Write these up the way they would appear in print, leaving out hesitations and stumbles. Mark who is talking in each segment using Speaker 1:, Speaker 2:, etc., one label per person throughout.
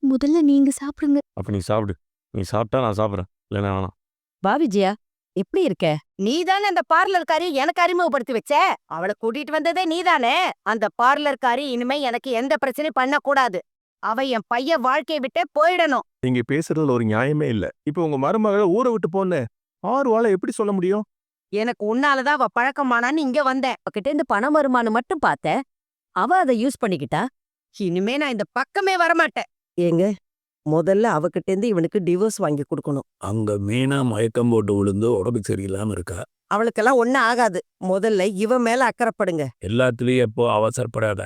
Speaker 1: முதல்ல நீங்க சாப்பிடுங்க.
Speaker 2: அப்ப நீ சாப்பிடு. நீ சாப்பிட்டா நான் சாப்பிட்றேன், இல்லைன்னா வேணாம்.
Speaker 3: வா விஜயா, எப்படி இருக்க? நீதானே அந்த பார்லர்காரி எனக்கு அறிமுகப்படுத்தி வச்ச. அவளை கூட்டிட்டு வந்ததே நீதானே. அந்த பார்லர்காரி இனிமே எனக்கு எந்த பிரச்சனையும் பண்ணக்கூடாது. அவ என் பையன் வாழ்க்கையை விட்டே போயிடணும்.
Speaker 4: நீங்க பேசுறதுல ஒரு நியாயமே இல்ல. இப்ப உங்க மருமகளை ஊரை விட்டு போன்னு 6 வாழ எப்படி சொல்ல முடியும்?
Speaker 3: எனக்கு உன்னாலதான் அவ பழக்கமானான்னு இங்க வந்தேன். அவகிட்ட இருந்து பணம் வருமானு மட்டும் பார்த்த. அவ அதை யூஸ் பண்ணிக்கிட்டா. இனிமே நான் இந்த பக்கமே வரமாட்டேன்.
Speaker 5: ஏங்க, முதல்ல அவகிட்ட இருந்து இவனுக்கு டிவோர்ஸ் வாங்கி கொடுக்கணும்.
Speaker 6: அங்க மீனா மயக்கம் போட்டு விழுந்து உடம்பு சரியில்லாம இருக்கா.
Speaker 5: அவளுக்கெல்லாம் ஒன்னும் ஆகாது. முதல்ல இவன் மேல அக்கறைப்படுங்க.
Speaker 6: எல்லாத்துலயும் எப்போ அவசரப்படாத.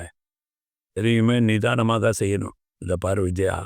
Speaker 6: எதையுமே நிதானமாக தான் செய்யணும். இந்த பாரு விஜயா,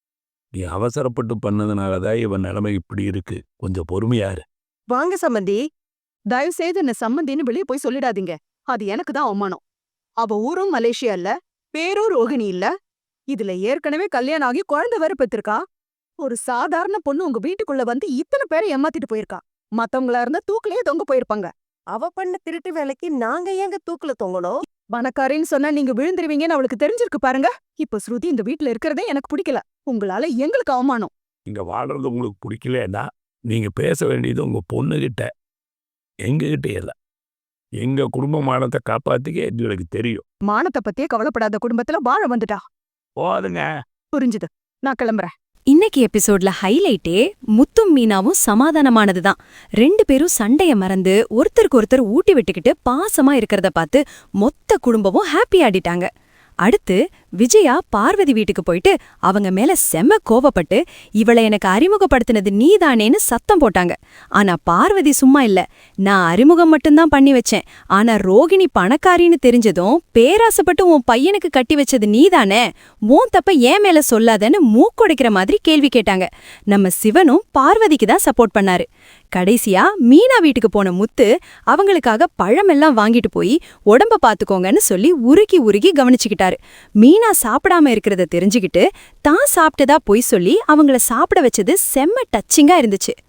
Speaker 6: நீ அவசரப்பட்டு பண்ணதுனாலதான் இவன் நிலைமை இப்படி இருக்கு. கொஞ்சம் பொறுமையாரு.
Speaker 5: வாங்க சம்பந்தி.
Speaker 7: தயவு செய்து என்ன சம்மந்தின்னு வெளியே போய் சொல்லிடாதீங்க. அது எனக்கு தான் அவமானம். அவ ஊரும் மலேசியா இல்ல, பேரும் ரோகிணி இல்ல. இதுல ஏற்கனவே கல்யாணம் ஆகி குழந்தை வேற பெற்றிருக்கா. ஒரு சாதாரண பொண்ணு உங்க வீட்டுக்குள்ள வந்து இத்தனை பேரை ஏமாத்திட்டு போயிருக்கா. மத்தவங்களா இருந்தா தூக்கிலேயே தொங்க போயிருப்பாங்க.
Speaker 5: அவ பண்ண திருட்டு வேலைக்கு நாங்க ஏங்க தூக்குல தொங்கணும்?
Speaker 7: பணக்காரின்னு சொன்னா நீங்க விழுந்துருவீங்கன்னு அவளுக்கு தெரிஞ்சிருக்கு பாருங்க. இப்ப ஸ்ருதி இந்த வீட்டுல இருக்கிறதே எனக்கு பிடிக்கல. உங்களால எங்களுக்கு அவமானம்.
Speaker 6: இங்க வாழ்றது உங்களுக்கு பிடிக்கலன்னா நீங்க பேச வேண்டியது உங்க பொண்ணுகிட்ட, எங்ககிட்ட இல்ல. எங்க குடும்ப மானத்தை காப்பாத்திக்க எங்களுக்கு தெரியும்.
Speaker 7: மானத்தை பத்தியே கவலைப்படாத குடும்பத்துல வாழ வந்துட்டா.
Speaker 6: போதுங்க.
Speaker 7: புரிஞ்சுது. நான் கிளம்புறேன்.
Speaker 1: இன்னைக்கு எபிசோட்ல ஹைலைட்டே முத்தும் மீனாவும் சமாதானமானதுதான். 2 பேரும் சண்டைய மறந்து ஒருத்தருக்கு ஒருத்தர் ஊட்டி விட்டுக்கிட்டு பாசமா இருக்கிறத பார்த்து மொத்த குடும்பமும் ஹாப்பி ஆடிட்டாங்க. அடுத்து விஜயா பார்வதி வீட்டுக்கு போயிட்டு அவங்க மேல செம்ம கோவப்பட்டு இவளை எனக்கு அறிமுகப்படுத்தினது நீதானேன்னு சத்தம் போட்டாங்க. ஆனா பார்வதி சும்மா இல்ல, நான் அறிமுகம் மட்டும்தான் பண்ணி வச்சேன். ஆனா ரோகிணி பணக்காரின்னு தெரிஞ்சதும் பேராசப்பட்டு உன் பையனுக்கு கட்டி வச்சது நீதானே, உன் தப்ப ஏன் மேல சொல்லாதன்னு மூக்குடைக்கிற மாதிரி கேள்வி கேட்டாங்க. நம்ம சிவனும் பார்வதிக்கு தான் சப்போர்ட் பண்ணாரு. கடைசியா மீனா வீட்டுக்கு போன முத்து அவங்களுக்காக பழமெல்லாம் வாங்கிட்டு போய் உடம்ப பாத்துக்கோங்கன்னு சொல்லி உருகி உருகி கவனிச்சுக்கிட்டாரு. மீனா சாப்பிடாம இருக்கிறத தெரிஞ்சுக்கிட்டு தான் சாப்பிட்டதா பொய் சொல்லி அவங்கள சாப்பிட வச்சது செம்ம டச்சிங்கா இருந்துச்சு.